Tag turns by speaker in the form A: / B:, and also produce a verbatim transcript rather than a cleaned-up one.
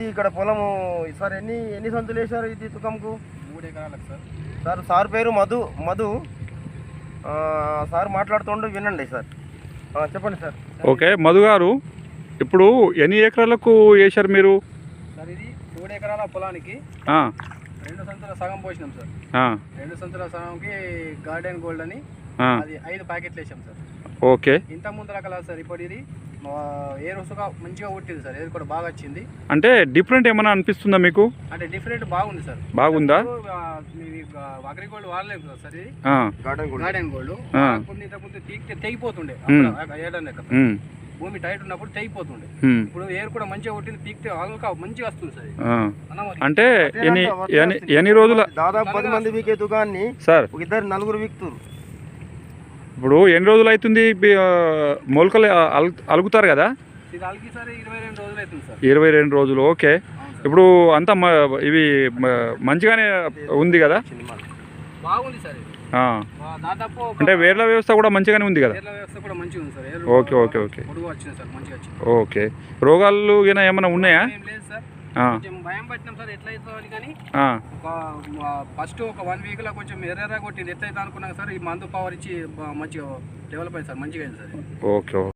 A: ఇక్కడ పొలము సార్ ఎన్ని ఎన్ని సంచులు వేశారు ఇది తుకంకు?
B: మూడు ఎకరాలకు సార్.
A: సార్ సార్ పేరు మధు మధు సార్ మాట్లాడుతుండే వినండి సార్. చెప్పండి సార్.
C: ఓకే మధు గారు, ఇప్పుడు ఎన్ని ఎకరాలకు వేశారు మీరు?
B: సార్ ఇది మూడు ఎకరాల పొలానికి రెండు సంచుల సగం పోసినాం సార్. రెండు సంచుల సగంకి గార్డెన్ గోల్డ్ అని అది ఐదు ప్యాకెట్లు వేసాం సార్.
C: ఓకే.
B: ఇంత ముందర కల సార్ ఇప్పుడు ఇది ఏ రోజుగా మంచిగా ఉట్టింది సార్. ఏది కూడా బాగా వచ్చింది.
C: అంటే డిఫరెంట్ ఏమైనా అనిపిస్తుందా మీకు?
B: అంటే డిఫరెంట్ బాగుంది సార్.
C: బాగుందా?
B: అగ్రిగోల్డ్ వాడలేదు కదా సార్, ఇది
A: గార్డెన్
B: గోల్డ్. కొన్ని ఇంతకుముందు తీగితే తెగిపోతుండే ఏడాది భూమి టైట్ ఉన్నప్పుడు తెగిపోతుండే. ఇప్పుడు ఏరు కూడా మంచిగా కొట్టింది, పీక్తే ఆల్కా మంచిగా వస్తుంది సార్.
C: అంటే ఎన్ని ఎన్ని రోజుల
A: దాదాపు పది మంది వీకే దుకాన్ని
C: సార్
A: ఇద్దరు నలుగురు వీక్తురు.
C: ఇప్పుడు ఎన్ని రోజులు అవుతుంది మొలకలు అలుగుతారు కదా?
B: ఇది అలిగి సార్ ఇరవై రెండు రోజులు అవుతుంది సార్.
C: ఇరవై రెండు రోజులు ఓకే. ఇప్పుడు అంతా ఇవి మంచిగానే ఉంది కదా?
B: బాగుంది సార్. దాదాపు
C: అంటే వేర్ల వ్యవస్థ కూడా మంచిగానే ఉంది కదా?
B: వ్యవస్థ కూడా మంచిగా ఉంది సార్.
C: ఓకే ఓకే ఓకే
B: వచ్చింది సార్, మంచిగా వచ్చింది.
C: ఓకే. రోగాలు ఏమైనా ఉన్నాయా?
B: లేదు సార్, కొంచెం భయం పట్టినాం సార్ ఎట్లా అవుతుంది కానీ. ఫస్ట్ ఒక వన్ వీక్ లో కొంచెం ఎర్రగా కొట్టింది, ఎట్లయితే అనుకున్నాం సార్. ఈ మందు పవర్ ఇచ్చి మంచిగా డెవలప్ అయింది సార్, మంచిగా అయింది సార్.
C: ఓకే.